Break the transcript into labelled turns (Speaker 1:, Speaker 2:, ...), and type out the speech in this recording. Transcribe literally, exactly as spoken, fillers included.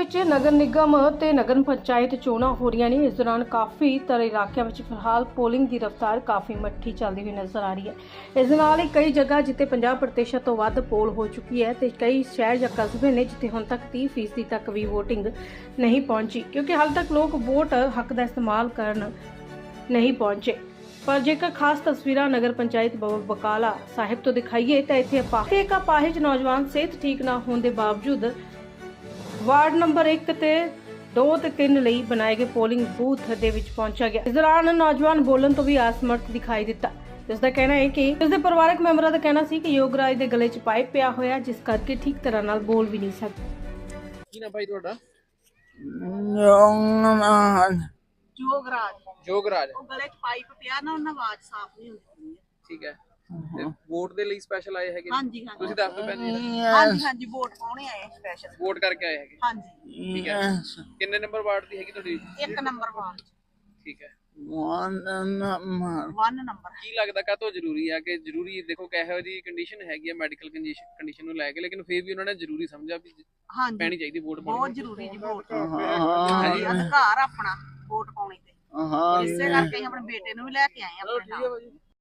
Speaker 1: ਵਿੱਚ ਨਗਰ ਨਿਗਮ ਤੇ ਨਗਰ ਪੰਚਾਇਤ ਚੋਣਾਂ ਹੋ ਰਹੀਆਂ ਨੇ। ਇਸ ਦੌਰਾਨ ਕਾਫੀ ਤਰ੍ਹਾਂ ਇਲਾਕਿਆਂ ਵਿੱਚ ਫਿਲਹਾਲ ਪੋਲਿੰਗ ਦੀ ਰਫ਼ਤਾਰ ਕਾਫੀ ਮੱਠੀ ਚੱਲਦੀ ਹੋਈ ਨਜ਼ਰ ਆ ਰਹੀ ਹੈ। ਇਸ ਦੇ ਨਾਲ ਹੀ ਕਈ ਜਗ੍ਹਾ ਜਿੱਥੇ ਪੰਜਾਹ ਪ੍ਰਤੀਸ਼ਤ ਤੋਂ ਵੱਧ ਪੋਲ ਹੋ ਚੁੱਕੀ ਹੈ ਤੇ ਕਈ ਸ਼ਹਿਰ ਜਾਂ ਕਸਬੇ ਨੇ ਜਿੱਥੇ ਹੁਣ ਤੱਕ ਤੀਹ ਫੀਸਦੀ ਤੱਕ ਵੀ ਵੋਟਿੰਗ ਨਹੀਂ ਪਹੁੰਚੀ, ਕਿਉਂਕਿ ਹਾਲ ਤੱਕ ਲੋਕ ਵੋਟ ਹੱਕ ਦਾ ਇਸਤੇਮਾਲ ਕਰਨ ਨਹੀਂ ਪਹੁੰਚੇ। पर जेकर खास तस्वीर नगर पंचायत बकाला साहिब तो दिखाइए तो इतने अपाहिज एक अपाहिज नौजवान सेहत ठीक ना होने के बावजूद वार्ड नंबर एक ते दो ते तीन लई बनाए गए पोलिंग बूथ दे विच पहुंचा गया। इस दौरान नौजवान बोलन तो भी असमर्थ दिखाई दिता। इसका कहना है कि उसके परिवारक मैंबरों का कहना सी कि योगराज के गले च पाइप पिया होया, जिस करके ठीक तरह नाल बोल भी नहीं सकते।
Speaker 2: की ना भाई ਤੁਹਾਡਾ
Speaker 3: जोगराज
Speaker 2: जोगराज
Speaker 3: ਉਹ ਗਲੇ 'ਚ ਪਾਈਪ ਪਿਆ ਨਾ, ਉਹਨਾਂ ਆਵਾਜ਼ ਸਾਫ਼ ਨਹੀਂ ਹੁੰਦੀ।
Speaker 2: ਠੀਕ ਹੈ ਤੇ ਵੋਟ ਦੇ ਲਈ ਸਪੈਸ਼ਲ ਆਏ ਹੈਗੇ?
Speaker 3: ਹਾਂਜੀ ਹਾਂਜੀ
Speaker 2: ਤੁਸੀਂ ਦੱਸ ਦਿਓ ਭੈਣ ਜੀ।
Speaker 3: ਹਾਂਜੀ ਹਾਂਜੀ ਵੋਟ ਪਾਉਣੇ ਆਏ ਸਪੈਸ਼ਲ।
Speaker 2: ਵੋਟ ਕਰਕੇ ਆਏ ਹੈਗੇ?
Speaker 3: ਹਾਂਜੀ
Speaker 2: ਠੀਕ ਹੈ। ਕਿੰਨੇ ਨੰਬਰ ਵਾਰਡ ਦੀ ਹੈਗੀ ਤੁਹਾਡੀ?
Speaker 3: ਇੱਕ ਨੰਬਰ ਵਾਰਡ 'ਚ
Speaker 2: ਠੀਕ ਹੈ।
Speaker 3: One number.
Speaker 2: ਕੀ ਲੱਗਦਾ ਕਾਹਤੋਂ ਜ਼ਰੂਰੀ ਹੈ ਕਿ ਜ਼ਰੂਰੀ ਦੇਖੋ ਕਿਹੋ ਜੀ ਕੰਡੀਸ਼ਨ ਹੈਗੀ ਹੈ ਮੈਡੀਕਲ ਕੰਡੀਸ਼ਨ ਨੂੰ ਲੈ ਕੇ, ਲੇਕਿਨ ਫਿਰ ਵੀ ਉਹਨਾਂ ਨੇ ਜ਼ਰੂਰੀ ਸਮਝਿਆ ਵੀ
Speaker 3: ਹਾਂਜੀ
Speaker 2: ਪੈਣੀ ਚਾਹੀਦੀ ਵੋਟ
Speaker 3: ਬਹੁਤ
Speaker 2: ਪਾਉਣੀ?
Speaker 3: ਜ਼ਰੂਰੀ ਜੀ ਵੋਟ। ਅਧਿਕਾਰ ਆਪਣਾ ਵੋਟ ਪਾਉਣੀ ਤੇ ਇਸੇ ਕਰਕੇ ਅਸੀਂ ਆਪਣੇ ਬੇਟੇ ਨੂੰ ਵੀ ਲੈ ਕੇ ਆਏ ਆਪਣੇ ਨਾਲ।